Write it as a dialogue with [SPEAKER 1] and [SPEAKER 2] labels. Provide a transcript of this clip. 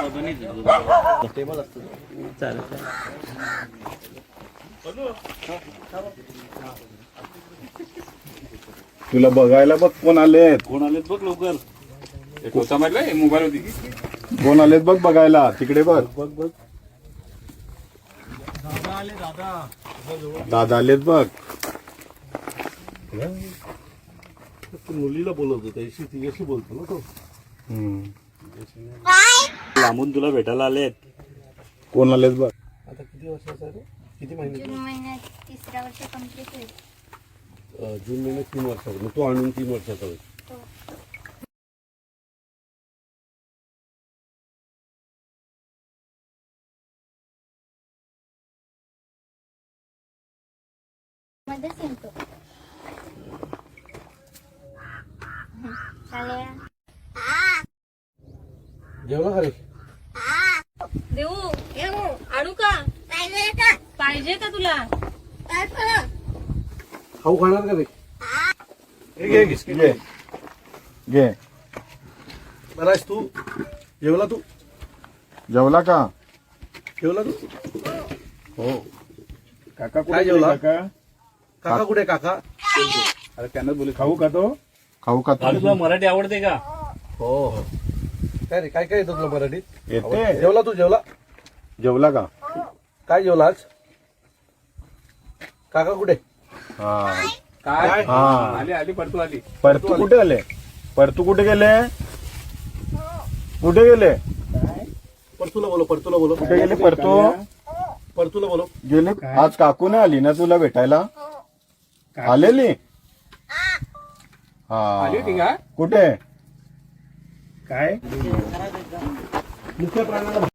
[SPEAKER 1] Table असतो चालेल.
[SPEAKER 2] तुला बघायला बघ कोण आलेत
[SPEAKER 1] बघ लवकर. मोबाईल होती
[SPEAKER 2] कोण आलेत बघ बघायला. तिकडे बघ बघ बघ. दादा आलेत बघ.
[SPEAKER 3] मुलीला बोलवतो त्याशी तिच्याशी बोलतो ना तो.
[SPEAKER 1] लांबून तुला भेटायला आलेत.
[SPEAKER 2] कोण आलेत बघ.
[SPEAKER 3] आता किती वर्षाचा आहे? किती महिने?
[SPEAKER 4] जून महिन्यात 3रा वर्ष कंप्लीट होईल.
[SPEAKER 3] जून महिन्यात 3 वर्षाचा. मग तो आणून 3 वर्षाचा होईल.
[SPEAKER 4] मध्येच येतो. चालेल.
[SPEAKER 3] जेवला का रे?
[SPEAKER 5] देऊ आणू का? पाहिजे का तुला?
[SPEAKER 3] खाऊ खाणार का रे?
[SPEAKER 2] घे घे घे.
[SPEAKER 3] बरा आहेस तू? जेवला तू?
[SPEAKER 2] जेवला का?
[SPEAKER 3] जेवला तू?
[SPEAKER 2] हो. काका
[SPEAKER 3] काय
[SPEAKER 2] कुठे
[SPEAKER 3] जेवला?
[SPEAKER 2] काका?
[SPEAKER 3] काका कुठे काका?
[SPEAKER 2] अरे त्यांना बोले खाऊ का तो? खाऊ का तो?
[SPEAKER 1] तुला मराठी आवडते का?
[SPEAKER 3] हो हो. काय रे काय काय येतं तुला मराठीत?
[SPEAKER 2] येते.
[SPEAKER 3] जेवला तू? जेवला?
[SPEAKER 2] जेवला का?
[SPEAKER 3] काय जेवला आज? काका कुठे?
[SPEAKER 2] हा
[SPEAKER 1] काय?
[SPEAKER 2] हा.
[SPEAKER 1] आली परतू आली.
[SPEAKER 2] परतू कुठे आले? परतू कुठे गेले? कुठे गेले?
[SPEAKER 3] परतूला बोलो. परतूला बोलो.
[SPEAKER 2] कुठे गेले परतू?
[SPEAKER 3] परतूला बोलो.
[SPEAKER 2] गेले. आज काकू नाही आली ना तुला भेटायला? आलेली? हा.
[SPEAKER 1] का?
[SPEAKER 2] कुठे?
[SPEAKER 1] काय
[SPEAKER 3] मुख्य प्राण्याला